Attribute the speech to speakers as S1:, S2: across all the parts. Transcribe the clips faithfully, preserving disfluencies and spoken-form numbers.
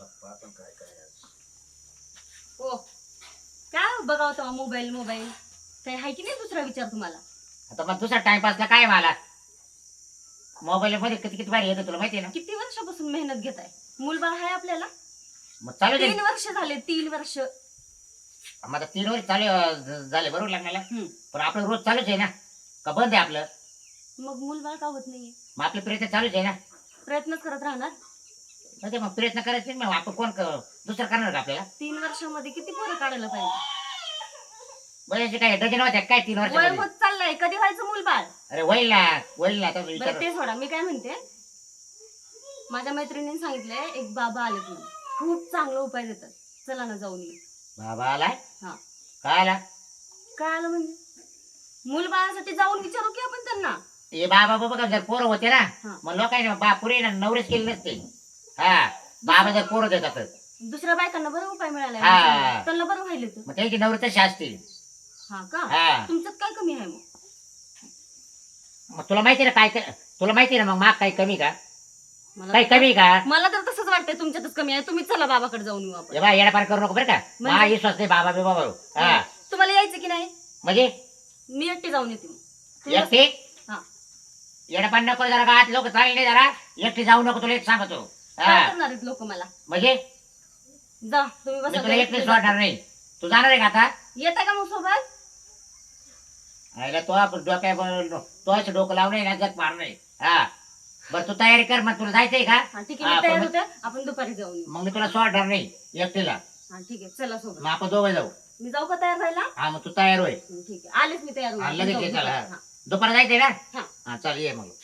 S1: हो काय बघावं तेव्हा मोबाईल मोबाईल काही आहे की नाही दुसरा विचार तुम्हाला?
S2: आता मग दुसरा टाइमपासला काय मला मोबाईल मध्ये किती किती भारी येतं तुला माहिती आहे ना.
S1: किती वर्षापासून मेहनत घेताय? मूलबाळ आहे आपल्याला.
S2: मग चालू दे.
S1: तीन वर्ष झाले तीन वर्ष.
S2: मग आता तीन वर्ष चालू अं, झाले बरोबर लग्नाला. पण आपलं रोज चालूच आहे ना का बंद आहे आपलं?
S1: मग मूलबाळ का होत नाहीये?
S2: मग आपले प्रयत्न चालूच आहे ना.
S1: प्रयत्न करत राहणार.
S2: म्हणजे मग प्रयत्न करायचे मग आपण कोण क- दुसरं करणार का आपल्याला?
S1: तीन वर्षामध्ये किती पोरं काढायला पाहिजे?
S2: बरेचसे काय डझन होत्या काय तीन
S1: वय
S2: वर्ष?
S1: होत चाललंय, कधी व्हायचं मूलबाळ?
S2: अरे होईल ना होईल ना आता
S1: बरं
S2: विचार.
S1: ते सोडा, मी काय म्हणते, माझ्या मैत्रिणीने सांगितलंय एक बाबा आले तुम्ही खूप चांगला उपाय देतात, चला ना जाऊन येऊ.
S2: बाबा आलाय?
S1: हा.
S2: काय आला?
S1: काय आलं म्हणजे? मूलबाळासाठी जाऊन विचारू की आपण त्यांना.
S2: हे बाबा बाबा का जर पोरं होते ना
S1: हा.
S2: मग लोकांनी बा पुरे ना नवरेच केले नसते. हा बाबा जर पोरं देतात
S1: दुसऱ्या बायकांना बरं उपाय मिळाला,
S2: हा.
S1: त्यांना बरं व्हायला तर.
S2: मग त्यांची नवरे तशी असतील.
S1: हा का?
S2: हा.
S1: तुमच्यात काय कमी आहे मग?
S2: मग तुला माहिती ना काय क- तुला माहिती ना मग माग काही कमी का?
S1: मला
S2: काही कमी का?
S1: मला तर तसंच वाटतंय तुमच्यातच कमी आहे. तुम्ही चला बाबाकडे जाऊन येऊ आपण.
S2: हे बा येडापार करू नको बरं का.
S1: म्हणजे?
S2: हा विश्वास नाही बाबा बिबा बरोबर. हा
S1: तुम्हाला यायचं की नाही?
S2: म्हणजे
S1: मी एकटी जाऊन येते मग. तुम्ही
S2: एकटी
S1: हा.
S2: येडापार नको जरा गावात लोक चांगले नाही जरा एकटी जाऊ नको तुला एक सांगतो.
S1: काय
S2: हा
S1: करणार आहेत लोक मला?
S2: म्हणजे
S1: जा तुम्ही
S2: मी
S1: बसा.
S2: तुला एकटी सोडणार नाही. तू जाणार आहे का आता?
S1: येता का मग सोबत?
S2: आयला तो आपण डोक्या तो असं डोकं लावणे ना जग मार नाही. हा बरं तू तयारी कर मग तुला जायचंय का?
S1: हा ठीक आहे,
S2: हा,
S1: मी तयार
S2: पण-
S1: होते, आपण दुपारी जाऊन येऊ.
S2: मग मी तुला सोडणार नाही एकटीला.
S1: हा ठीक आहे, चला सोबत.
S2: मग आपण दोघं जाऊ.
S1: मी जाऊ का तयार व्हायला?
S2: हा मग तू तयार होय.
S1: हं, ठीक आहे, आलेच मी तयार
S2: हा,
S1: होऊन.
S2: लगेच
S1: जाऊ
S2: ये चला.
S1: दुपारी.
S2: हा.
S1: हा.
S2: दुपार जायचंय ना?
S1: हा.
S2: हा चल ये मग.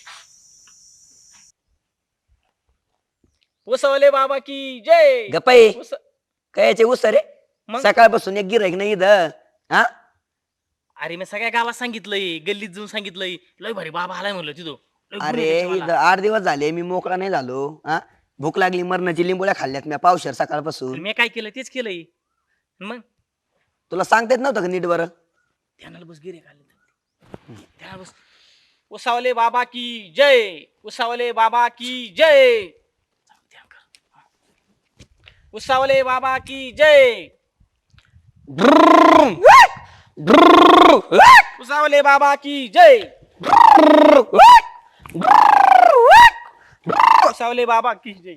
S3: उसवले बाबा की जय.
S4: गप्पाई
S3: उस-
S4: कायचे उस रे
S3: मग?
S4: सकाळपासून एक गिराईक नाही इथं हा
S3: अरे मी सगळ्या गावात सांगितलंय, गल्लीत जाऊन सांगितलंय, लय भारी बाबा आलाय म्हणलं तिथं. लय गुण
S4: अरे
S3: आहे त्याच्या
S4: इथं
S3: मला.
S4: आठ दिवस झाले मी मोकळा नाही झालो हा भूक लागली मरणाची लिंबोळ्या खाल्ल्यात मी पावशेर सकाळपासून.
S3: मी काय केलं तेच केलंय. मग
S4: तुला सांगता येत नव्हतं का नीट बरं?
S3: ध्यानाला बस गिरे खाल्ले ध्यानाला बस. उसावले बाबा की जय. उसावले बाबा की जय. ध्यान कर. उसावले बाबा की जय. उसावले बाबा की जय. उसावले बाबा की जय.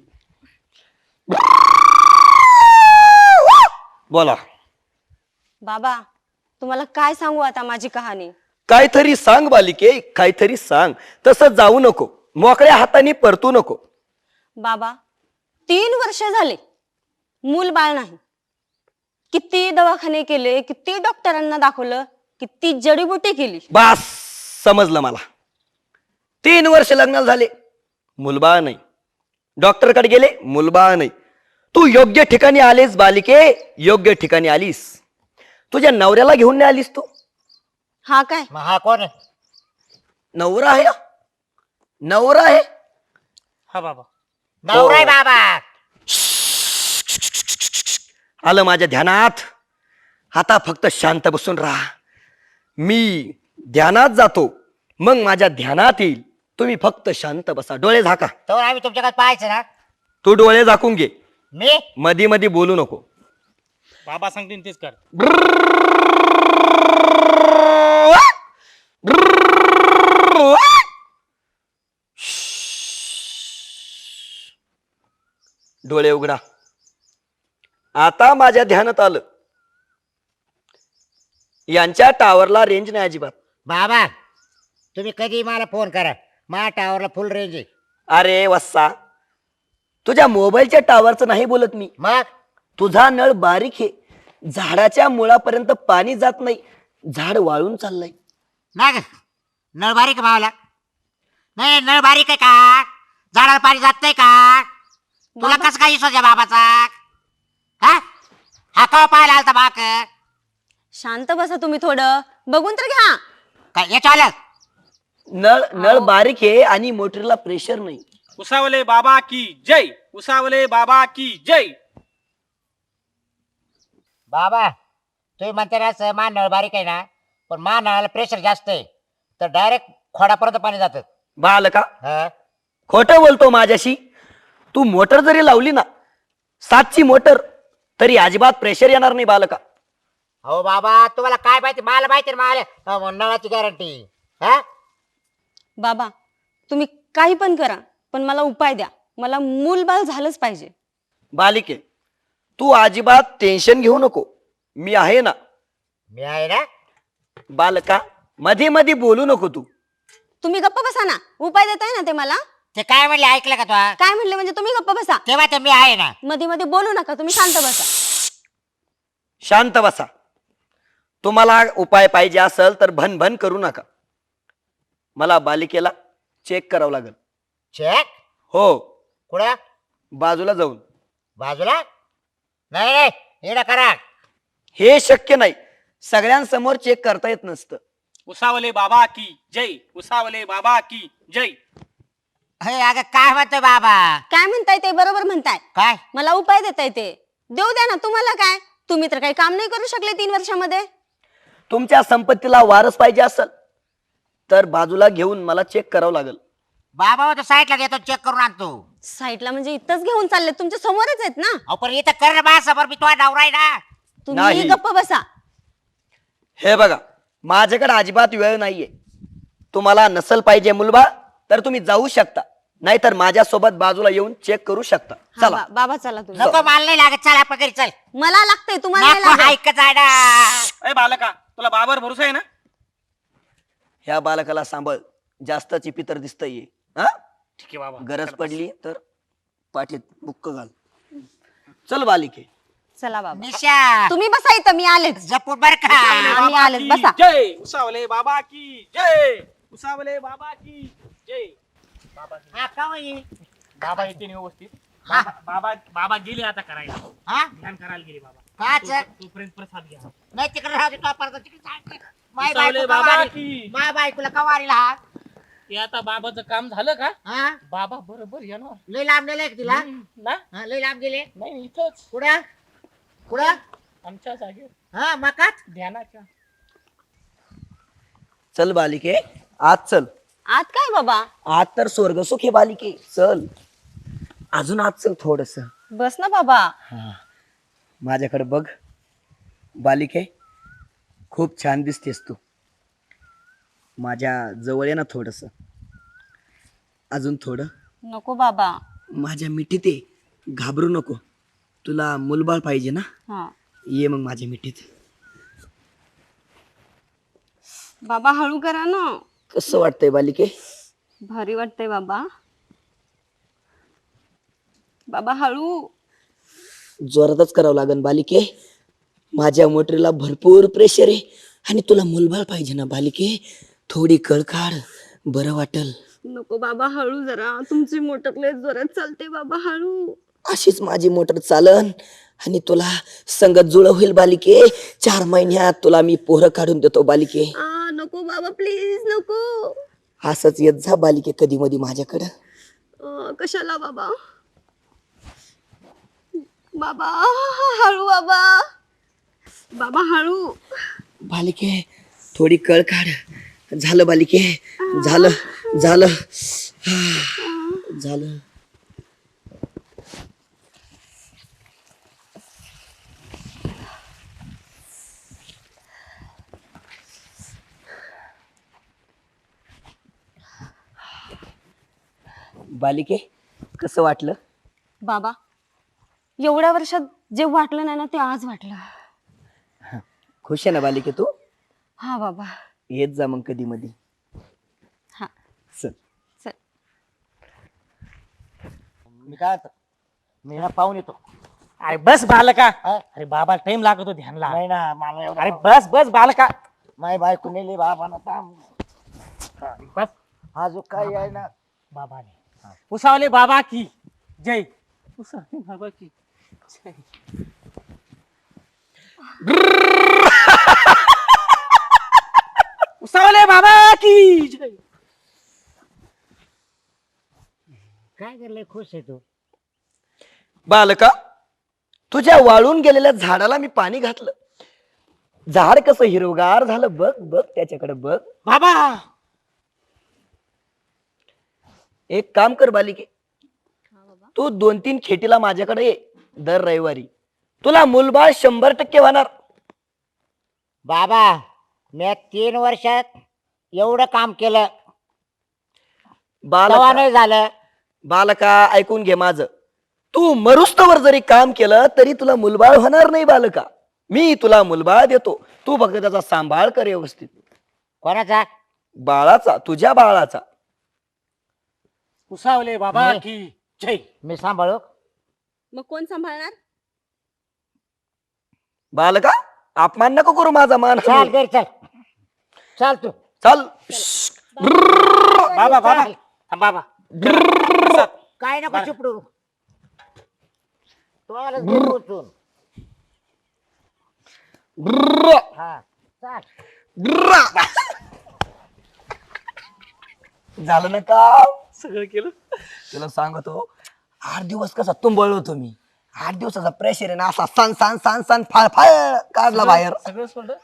S4: बोला
S5: बाबा तुम्हाला काय सांगू आता माझी कहाणी.
S4: काहीतरी सांग बालिके काहीतरी सांग. तसं जाऊ नको मोकळ्या हाताने परतू नको.
S5: बाबा तीन वर्ष झाले मूल बाळ नाही. किती दवाखाने केले, किती डॉक्टरांना दाखवलं, किती जडीबुटी केली.
S4: बास समजलं मला. तीन वर्ष लग्नाला झाले मुलबाळ नाही. डॉक्टरकडे गेले मुलबाळ नाही. तू योग्य ठिकाणी आलीस बालिके योग्य ठिकाणी आलीस. तुझ्या नवऱ्याला घेऊन नाही आलीस तू?
S5: हा काय?
S2: मग हा कोण आहे?
S4: नवरा आहे नवरा आहे
S3: हा बाबा.
S2: नवरा आहे बाबा.
S4: आलं माझ्या ध्यानात. आता फक्त शांत बसून राहा. मी ध्यानात जातो मग माझ्या ध्यानात येईल. तुम्ही फक्त शांत बसा. डोळे झाका.
S2: तर आम्ही तुमच्याकडे पाहायचं ना.
S4: तू डोळे झाकून घे.
S2: मी
S4: मधी मधी बोलू नको.
S3: बाबा सांगतील तेच कर.
S4: डोळे उघडा. आता माझ्या ध्यानात आलं यांच्या टावरला रेंज नाही अजिबात.
S2: बाबा तुम्ही कधी मला फोन करा. माझ्या टावरला फुल रेंज आहे.
S4: अरे वस्सा तुझ्या मोबाईलच्या टावरचं नाही बोलत मी.
S2: मग
S4: तुझा नळ बारीक आहे. झाडाच्या मुळापर्यंत पाणी जात नाही. झाड वाळून चाललंय.
S2: नाही का? नळ बारीक आहे भावाला. नाही नळ बारीक आहे का? झाडाला पाणी जात नाही का? तुला
S5: बाबा?
S2: कसं काय विश्वास आहे बाबाचा? हा हा का पाहायला आलता बाक?
S5: शांत बसा तुम्ही थोडं. बघून तर घ्या.
S2: काय याच्या आलं?
S4: नळ नळ बारीक आहे आणि मोटरला प्रेशर नाही.
S3: उसावले बाबा की जय. उसावले बाबा की जय.
S2: बाबा तुम्ही म्हणते ना मा नळ बारीक आहे ना पण मा नळाला प्रेशर जास्त आहे तर डायरेक्ट खोडापर्यंत पाणी जातं.
S4: बाल का
S2: हा
S4: खोटं बोलतो माझ्याशी? तू मोटर जरी लावली ना सातची मोटर तरी अजिबात प्रेशर येणार नाही बालका.
S2: हो बाबा तुम्हाला काय माहिती, मला माहिती ना, मला अहो, नळाची गॅरंटी. हा
S5: बाबा तुम्ही काही पण करा, पण मला उपाय द्या. मला मूलबाळ झालंच पाहिजे.
S4: बालिके तू अजिबात टेन्शन घेऊ नको, मी आहे ना.
S2: मी आहे ना.
S4: बालका मध्ये मध्ये बोलू नको तू.
S5: तुम्ही गप्प बसा ना. उपाय देताय ना ते मला.
S2: ते काय म्हणले ऐकलं का तू?
S5: काय म्हणले म्हणजे तुम्ही गप्प बसा.
S2: तेव्हा ते मी आहे ना.
S5: मध्ये मध्ये बोलू नका, तुम्ही शांत बसा.
S4: शांत बसा. तुम्हाला उपाय पाहिजे असेल तर भन भन करू नका. मला बालिकेला चेक करावं लागेल.
S2: चेक
S4: हो,
S2: कुठं?
S4: बाजूला जाऊन.
S2: बाजूला नाही नाही, येणं करा.
S4: हे शक्य नाही, सगळ्यांसमोर चेक करता येत नसतं.
S3: उसावले बाबा की जय. उसावले बाबा की जय.
S2: हे अगं काय म्हणतोय बाबा?
S5: काय म्हणताय ते बरोबर म्हणताय.
S2: काय
S5: मला उपाय देताय ते देऊ द्या ना. तुम्हाला काय, तुम्ही तर काही काम नाही करू शकले तीन वर्षामध्ये.
S4: तुमच्या संपत्तीला वारस पाहिजे असेल तर बाजूला घेऊन मला चेक करावं लागेल.
S2: बाबा तो साईडला घेतो, चेक करून आणतो.
S5: साईडला म्हणजे इथंच घेऊन चालले, तुमच्या समोरच आहेत ना.
S2: अहो पण इथं कर बा समोर, मी तुझा नवरा आहे ना.
S5: तुम्ही
S4: नाही.
S5: गप्प बसा.
S4: हे बघा माझ्याकडे अजिबात वेळ नाहीये. तुम्हाला नसल पाहिजे मुलबा तर तुम्ही जाऊ शकता, नाहीतर माझ्या सोबत बाजूला येऊन चेक करू शकता.
S5: हा,
S4: चला.
S5: बा- बाबा चला तुम्ही.
S2: नको मला नाही लागत, चल आपण घरी चल.
S5: मला लागतंय, तुम्हाला नाही
S2: नको
S5: लागत.
S2: ऐकत आहे ना.
S3: ए बालका तुला बाबावर भरोसा आहे ना?
S4: ह्या बालकाला सांभाळ, जास्त चिपितर दिसतंय. हा,
S3: ठीक आहे बाबा.
S4: गरज पडली तर पाठीत बुक्क घाल. चल बालिके.
S5: चला बाबा
S2: निशा
S5: तुम्ही बसा इथं, मी आलेच.
S2: जपून बर का.
S5: आम्ही
S3: बाबा
S5: आलेच,
S3: की
S5: बसा.
S3: जय. उसावले बाबा की जय. उसावले बाबा की जय. बाबा
S2: हा, का होई?
S3: बाबा येते व्यवस्थित.
S2: हा.
S3: बाबा बाबा बाबा गेले आता करायला.
S2: हा?
S3: ध्यान करायला गेले बाबा.
S2: का
S3: तो-
S2: चल?
S3: तोपर्यंत प्रसाद घ्या.
S2: नाही तिकडे राहू दे, तो परत तिकडे सांग. माय
S3: उसावले
S2: बायको
S3: बाबा
S2: कवारी.
S3: की.
S2: माय बायकोला कवारीला हा?
S3: ते आता बाबाचं काम झालं का?
S2: हा?
S3: बाबा बरोबर येणार.
S2: लय लांब नेलंय का तिला?
S3: हम्म, ना
S2: हा, लय लांब गेले.
S3: नाही इथंच
S2: कुठं कुठं?
S3: आमच्या जागेवर
S2: हा, मकात.
S3: ध्यानाच्या.
S4: चल बालिके आज चल.
S5: आत काय बाबा?
S4: आज तर स्वर्ग सुख आहे बालिके. चल अजून आज चल थोडस.
S5: बस ना बाबा.
S4: माझ्याकडे बघ बालिके, खूप छान दिसतेस तू. माझ्या जवळ ये ना थोडस. अजून थोडं.
S5: नको बाबा.
S4: माझ्या मिठीत ये, घाबरू नको. तुला मुलबाळ पाहिजे ना,
S5: हा
S4: ये मग माझ्या मिठीत.
S5: बाबा हळू करा ना.
S4: कसं वाटतंय बालिके?
S5: भारी वाटतंय बाबा. बाबा हळू.
S4: जोरातच करावं लागेल बालिके. माझ्या मोटरीला भरपूर प्रेशर आहे आणि तुला मुलबाळ पाहिजे ना बालिके. थोडी कळ काढ, बरं वाटल.
S5: नको बाबा हळू जरा. तुमची मोटर लय जोरात चालते बाबा, हळू.
S4: अशीच माझी मोटर चालन आणि तुला संगत जुळ होईल बालिके. चार महिन्यात तुला मी पोरं काढून देतो बालिके.
S5: आ नको बाबा प्लीज नको.
S4: असंच येत जा बालिके कधी मधी माझ्याकडं.
S5: अं, कशाला बाबा? बाबा हळू बाबा. बाबा हळू.
S4: बालिके थोडी कळ काढ. झालं बालिके, झालं झालं हा, झालं. बालिके कसं वाटलं?
S5: बाबा एवढ्या वर्षात जे वाटलं नाही ना ते आज वाटलं.
S4: खुश आहे ना बालिके तू?
S5: हा बाबा.
S4: येत जा मग कधी मधी.
S5: हा
S4: चल.
S5: चल.
S2: मी काय आता? मी ना पाहून येतो.
S3: अरे बस बालका.
S2: हा?
S3: अरे बाबा टाइम लागतो ध्यानला.
S2: नाही ना, मला एवढं-
S3: अरे बस बस बालका.
S2: माय बायको नेली बाबा ना थांब.
S3: बस
S2: हा जो काय आहे ना.
S3: बाबाने. उसावले बाबा की जय. उसावले बाबा की जय. उसावले बाबा की जय.
S2: काय करले, खुश आहे तू?
S4: बालका तुझ्या वाळून गेलेल्या झाडाला मी पाणी घातलं. झाड कसं हिरवगार झालं बघ बघ त्याच्याकडे बघ.
S3: बाबा
S4: एक काम कर बालिके, तू दोन तीन खेटीला माझ्याकडे ये. दर रविवारी तुला मुलबाळ शंभर टक्के होणार.
S2: बाबा मी तीन वर्षात एवढं काम केलं तेव्हा
S4: बालका
S2: नाही झालं.
S4: बालका ऐकून घे माझं. तू मरुस्तवर जरी काम केलं तरी तुला मुलबाळ होणार नाही बालका. मी तुला मुलबाळ देतो, तू फक्त त्याचा सांभाळ कर व्यवस्थित.
S2: कोणाचा?
S4: बाळाचा, तुझ्या बाळाचा.
S3: उसावले बाबा
S2: नाही.
S3: की जय.
S2: मी सांभाळू?
S5: मग कोण सांभाळणार?
S4: बालका अपमान नको करू माझा मान.
S2: चाल घरी चल. चाल तू.
S4: चल.
S3: बाबा बाबा थांब बाबा.
S2: काय नको चिपडू. तो आलाच घरी उचलून. हा चाल.
S4: झालं ना का?
S3: सगळं केलं.
S4: तुला सांगतो आठ दिवस कसा तुंबळलो होतो मी. आठ दिवसाचा प्रेशर आहे ना असा सन सन सन सन फाळ फाळ काढला बाहेर.
S3: सगळं सोडलं.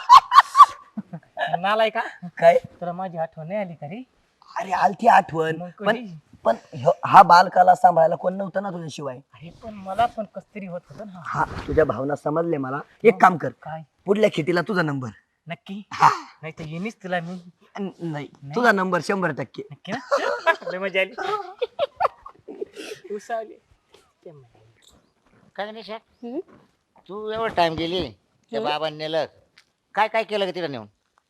S3: नालाय का
S4: काय
S3: तुला माझी आठवण नाही आली का रे?
S4: अरे आलती आठवण
S3: मग
S4: पण
S3: कधी?
S4: पण ह्यो- हा बालकाला सांभाळायला कोण नव्हतं ना तुझ्याशिवाय.
S3: अरे पण मला पण कस तरी होत होतं ना.
S4: हा तुझ्या भावना समजले मला. एक काम कर,
S3: काय
S4: पुढल्या खिटीला तुझा नंबर.
S3: नक्की? नाही तर येणीच तुला मी.
S4: न- नाही तुझा नंबर शंभर टक्के.
S3: नक्की ना? लय मजा आली. उसावले
S2: काय निशा
S5: हम्म?
S2: तू एवढं टाइम गेली त्या बाबांनी नेलं. काय काय केलं का तिला नेऊन?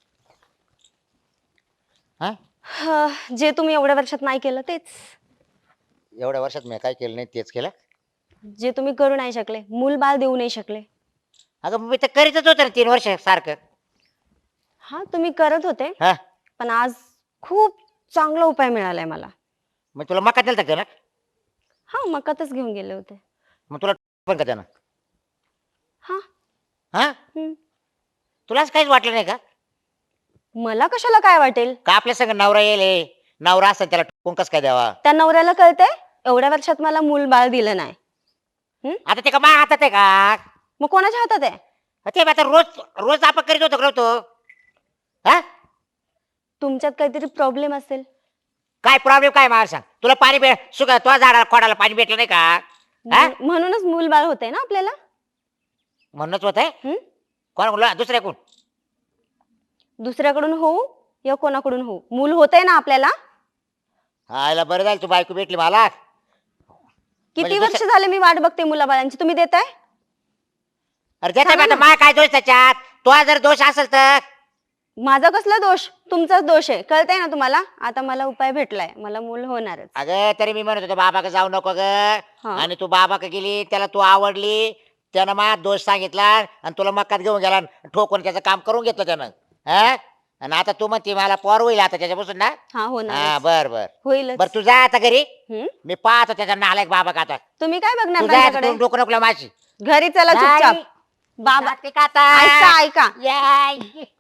S2: हा
S5: हा, जे तुम्ही एवढ्या वर्षात नाही केलं तेच.
S2: एवढ्या वर्षात मी काय केलं नाही तेच केलं.
S5: जे तुम्ही करू नाही शकले, मूल बाळ देऊ नाही शकले.
S2: अगं मी तर करीतच होतं ना तीन वर्ष सारखं.
S5: हा तुम्ही करत होते,
S2: हा
S5: पण आज खूप चांगला उपाय मिळालाय मला.
S2: मग तुला मका दिलता का ना?
S5: हा मकातच घेऊन गेले होते.
S2: मग तुला पण का त्यानं?
S5: हा
S2: हा
S5: हम्म.
S2: तुलाच काहीच वाटलं नाही का?
S5: मला कशाला काय वाटेल?
S2: का आपल्या संग नवरा येईल, नवरा असं त्याला ठोकून कस काय द्यावा?
S5: त्या नवऱ्याला कळतंय एवढ्या वर्षात मला मूल बाळ दिलं नाही.
S2: आता ते का मा हातात आहे का?
S5: मग कोणाच्या हातात आहे?
S2: ते आता रोज रोज आपण करीत होतो का तो? हा
S5: तुमच्यात काहीतरी प्रॉब्लेम असेल.
S2: काय प्रॉब्लेम काय मला सांग. तुला पाणी भेट सुका तो झाडाला खोडाला पाणी भेटलं नाही का? हा?
S5: म्हण- म्हणूनच मूल बाळ होतंय ना आपल्याला.
S2: म्हणूनच होत आहे.
S5: हम्म?
S2: कोण बोलला? दुसऱ्या कोण?
S5: दुसऱ्याकडून होऊ या कोणाकडून होऊ, मूल होतंय ना आपल्याला.
S2: हा याला बरं झालं तू बायको भेटली मला.
S5: किती
S2: म्हणजे
S5: वर्ष
S2: दुसऱ्या-
S5: झाले मी वाट बघते मुलाबाळांची, तुम्ही देताय?
S2: अरे देता
S5: सांगा
S2: आता
S5: ना.
S2: मा काय दोष त्याच्यात? तो जर दोष असेल तर
S5: माझा कसला दोष? तुमचाच दोष आहे, कळतंय ना तुम्हाला. आता मला उपाय भेटलाय, मला मूल होणारच.
S2: अगं तरी मी म्हणत होतो बाबा का जाऊ नको ग.
S5: हा.
S2: आणि तू बाबा का गेली त्याला तू आवडली त्यानं मा दोष सांगितला आणि तुला मक्कात घेऊन गेला आणि ठोकून त्याचं काम करून घेतलं त्यानं. हा आणि आता तू म्हणते मला पोर होईल आता त्याच्यापासून ना.
S5: हा
S2: हा
S5: होणार
S2: बर बर
S5: होईलच.
S2: बर तू जा आता घरी.
S5: हम्म?
S2: मी पाहतो त्याचा नालायक बाबा का आता.
S5: तुम्ही काय बघणार
S2: तू जा
S5: त्यांच्याकडे?
S2: तू डोकं नको माझी.
S5: घरी चला चुपचाप. बाबा
S2: जाते का आता?
S5: ऐका ऐका
S2: याय.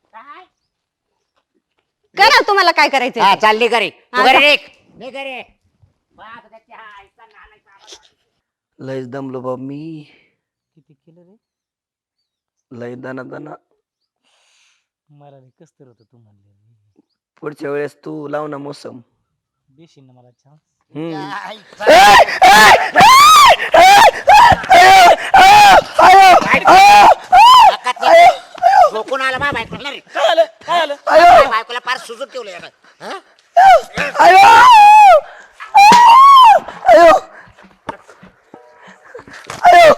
S5: करा तुम्हाला काय करायचंय
S2: हा
S5: ते.
S2: चालली घरी. तू
S5: हा,
S2: घरी
S5: जा.
S2: निघ. निघ घरी. पाहतो त्याच्या आईचा नालायक बाबा.
S4: लयच दमलो बाब मी.
S3: किती केलं रे?
S4: लय दना दना.
S3: मला कस तर होतं तू म्हणले.
S4: पुढच्या वेळेस तू लाव ना मोसम.
S3: देशील ना मला चान्स?
S4: हम्म.
S2: आईचा- नाकात नाही. झोपून आला बा बायकोला रे.
S3: काय आलं काय आलं?
S2: बाय- बायकोला फार सुजून ठेवलं यानं. हा?
S4: आयो आयो आयो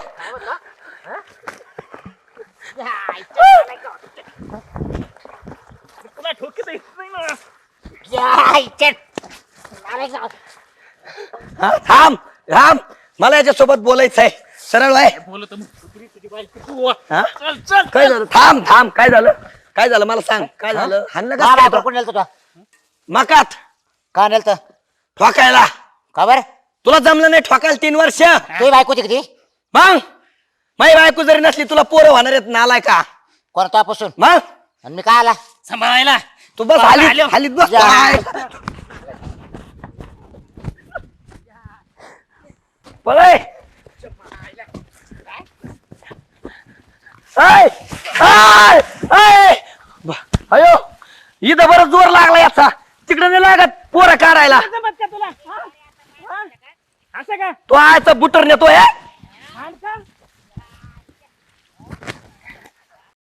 S2: या आईच्या नालायक.
S3: तुला ठोकीत येत नाही ना.
S2: या आईच्या नालायक.
S4: हा, थांब थांब मला याच्यासोबत बोलायचं आहे. सरळ आहे.
S3: बोलत मग तुझी तुझी बायको तू.
S4: हा?
S3: चल चल.
S4: काय झालं? थांब थांब काय झालं? काय झालं मला सांग. काय झालं? हाणलं
S2: बा
S4: का
S2: बायको
S4: काय?
S2: कोण नेलं तुला?
S4: मकात
S2: का नेलं?
S4: ठोकायला.
S2: का बरं?
S4: तुला जमलं नाही ठोकायला तीन वर्ष.
S2: तुझी बायको होती किती?
S4: मग माझी बायको जरी नसली तुला पोरं होणार आहेत ना आलाय का?
S2: कोणतापासून?
S4: मग
S2: आणि मी काय आला?
S3: सांभाळायला.
S4: तू बस
S3: बाबा
S4: हालीत
S3: आलो.
S4: हालीत बस.
S2: या.
S4: काय? पळय. ऐ, ऐ, ऐ. ब- अयो इथं बरं जोर लागला याचा. तिकडे नाही लागत पोरं काढायला.
S3: जमत का तुला? हा? हा? असं का?
S4: तो आयचा बुटर नेतोय.
S3: खांड का